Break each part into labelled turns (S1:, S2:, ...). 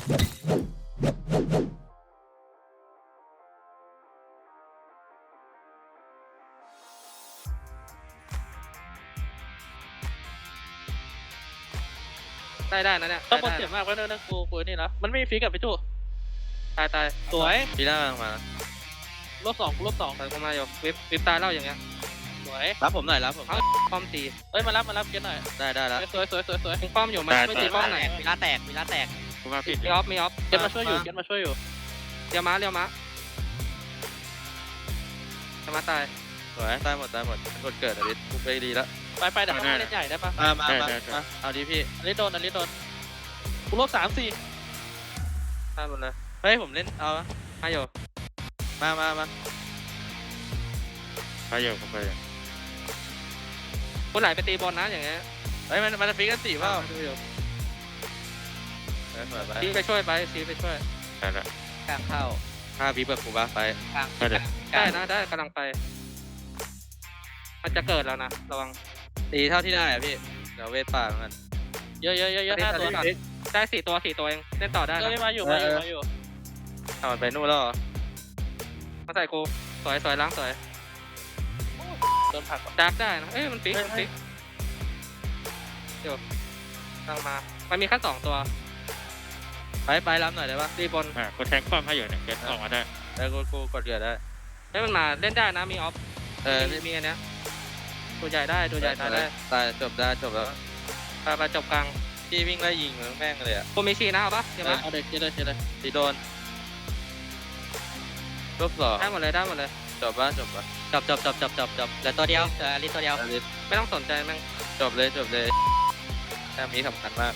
S1: ได้นะเนี่ยต้องบนเจ็บมากแล้วนะกูนี่นะมันไม่มีฟิกกับพี่จูตายสวย
S2: ปีหน้ามา
S1: ลบ2แต่กูมาอยู่วิบตายเล่าอย่างเงี้ยสวย
S2: รับผมหน่อยรับผม
S1: ป้อมตีเอ้ยมารับเก็ตหน่อย
S2: ได้แล้ว
S1: สวยมึงป้อมอยู่มันไม่ตีป้อมไหน
S2: มีล้าแตกกูมาผิด
S1: มีออฟเก็ตมาช่วยอยู่เเรียวม้าตาย
S2: สวยตายหมดกดเกิดอลิสกูไปดีแล้ว
S1: ไปแต่ต้องเล่นใหญ่ได้ปะ
S2: มาเอาดีพี่
S1: อลิสโดนกูลบ3-4ตายหมดเลย
S2: เฮ้ยผมเล่นเอา
S1: มาอยู่
S2: มา
S3: ไปอยู่ผมไปอยู่
S1: กูไหลไปตีบอลนะอย่างเงี้ย
S2: เฮ้ยมันจะฟิกกันสี่เปล่า
S1: ดูอยู่
S2: สวยไป
S1: ซีไปช่วย
S3: ได้ละ
S2: กลางเข้าฆ่าบีเบิร์กกูบ้าไป
S3: ก็เดี๋ยว
S1: ได้กำลังไปมันจะเกิดแล้วนะระวัง
S2: ตีเท่าที่ได้อะพี่เดี๋ยวเวทป่ามัน
S1: เยอะ5 ตัวได้4 ตัวเองเล่นต่อได้นะมาอยู่
S2: เอามันไปนู่นแล้วเหรอ
S1: มาใส่กูสวยล้างสวยโดนผักดักได้นะเอ้ยมันฟิกเดี๋ยวตั้งมามันมีแค่2 ตัว
S2: ไปรับหน่อยได้ปะ
S1: ตีบอล
S3: กูแทงป้อมให้อยู่เนี่ยเก็ตออกมาได้
S2: แล้วกูกดเกิดได้
S1: เฮ้ยมันมาเล่นได้นะมีออฟมีอันเนี้ยตัวใหญ่ได้
S2: ตายจบแล้ว
S1: ไปจบกลาง
S2: พี่วิ่งไล่ยิงแม่งเลยอะ
S1: กูมีชีนะเอาปะเดี๋ยวมา
S2: เอาเด็กเลยตีโดนรอบ2
S1: ได้หมดเลย
S2: จบแล้วตัวเดียวอลิสตัวเดียว
S1: ไม่ต้องสนใจแม่ง
S2: จบเลยแต้มนี้สำคัญมาก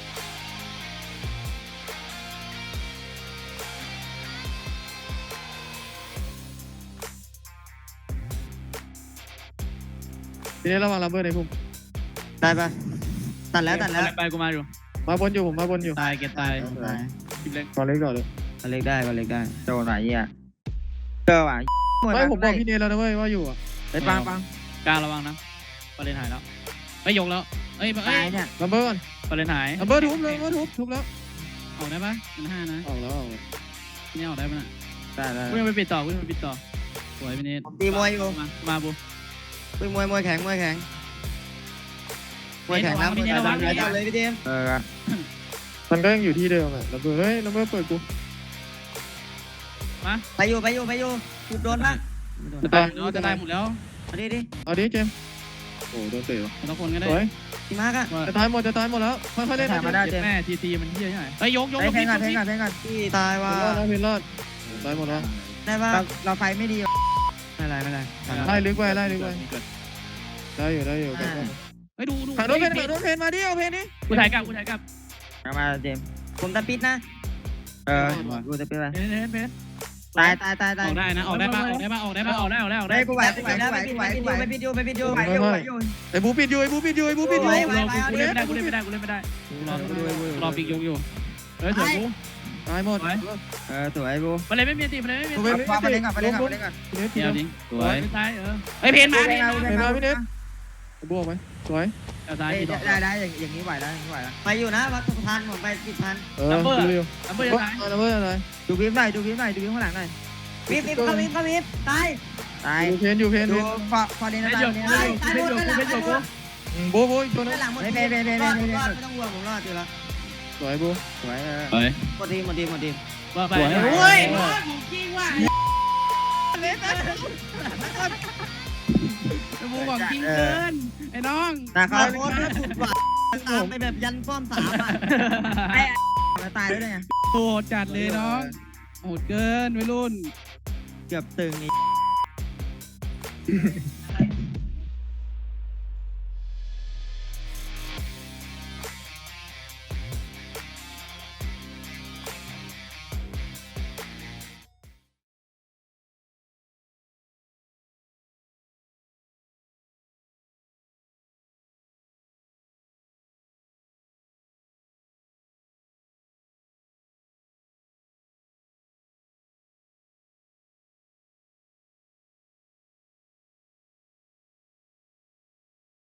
S4: ทีนี้ระวังลัมเบอร์ในพุ่ม
S5: ได้ปะตัดแล้ว
S4: ไปกูมาอยู่มาบนอยู่ตายเก็บตายก่อนเล็กเลย
S5: ก็เล็กได้โดนไหนเนี่ยเจอว่ะ
S4: ไม่ผมบอกพี่เนทแล้วนะเว้ยว่าอยู่อ่ะ
S5: ไปปัง
S4: กลางระวังนะปาเลนหายแล้วไม่ยกแล้วเอ้ย
S5: ตายเนี่ย
S4: ลัมเบอร์ก่อนปาเลนหายลัมเบอร์ทุบเลยทุบแล้วออกได้ปะมัน5นะออกแล้วนี่ออกได้ปะน่ะได้วิ่งไปปิดต่อสวยพี่เนท
S5: ตีมวยอยู่
S4: มาบุ
S5: วิ่งมวยแข็งนะเลยพี่เดม
S4: มันก็ยังอยู่ที่เดิมอ่ะลัมเบอร์เฮ้ยลัมเบอร์เปิดกูมา
S5: ไปอยู่ถูกโดนปะ
S4: จะตายหมดแล้ว
S5: เอาดิ
S4: เจมโอ้โดนเตะทุกคนก็ได้
S5: ทีมากอะ
S4: จะตายหมดแล้วค่อยๆเล่นแม่ทีมันเที่ยใช่ไหมไปยก
S5: เพลงก่อนที่ตายว่า
S4: เพลรอดตายหมดแล้ว
S5: ได้ป่ะเราไฟไม่ดีไม่ไร
S4: ไล่ลึกไว้ได้อยู่ไปดูถ่ายรถเพนมาดิเอาเพนนี่กูถ่ายกลับ
S5: มาเจมผมตะปิดนะกูตะปิดไป
S4: เพน
S5: ตาย
S4: ออกได้นะออกได้
S5: กูไหวไปปิดอยู่
S4: ไอ้บูปิดอยู่
S5: กูเล่น
S4: ไม่ได้รอปิกยกอยู่เฮ้ยเถอะกูตายหมด
S5: สวยบู
S4: มันเลยไม่มีตีมันเลยไม่มี
S5: ไปเล่นก่อน
S4: เดี๋ยวดิสวยตายไอ้เพนมาพี่เนทบวกไหมสวย
S5: ได้อย่างนี้ไหวแล้วไปอยู่นะวัดพันผมไปปิดพัน
S4: ลัมเบอร์อะไร
S5: ดูวิบหน่อยข้างหลังหน่อยวิบตาย
S4: เพนอยู่
S5: พอเล่นตาย
S4: โบตัวนั้น
S5: หลังหมดไม่ต้องห่วงผมรอดอยู่แล้ว
S4: สวยบู
S5: สวยหมดที
S4: ว่าไป
S5: โอ้ยผมจริงว่ะ
S4: บูบอกจริงเกินไอ้น้อง
S5: แต่เขาโคตรสุดว่ะตามไปแบบยันป้อม3อ่ะมาตายด้วยไง
S4: โหดจัดเลยน้องโหดเกินวัยรุ่น
S5: เกือบตึงนี่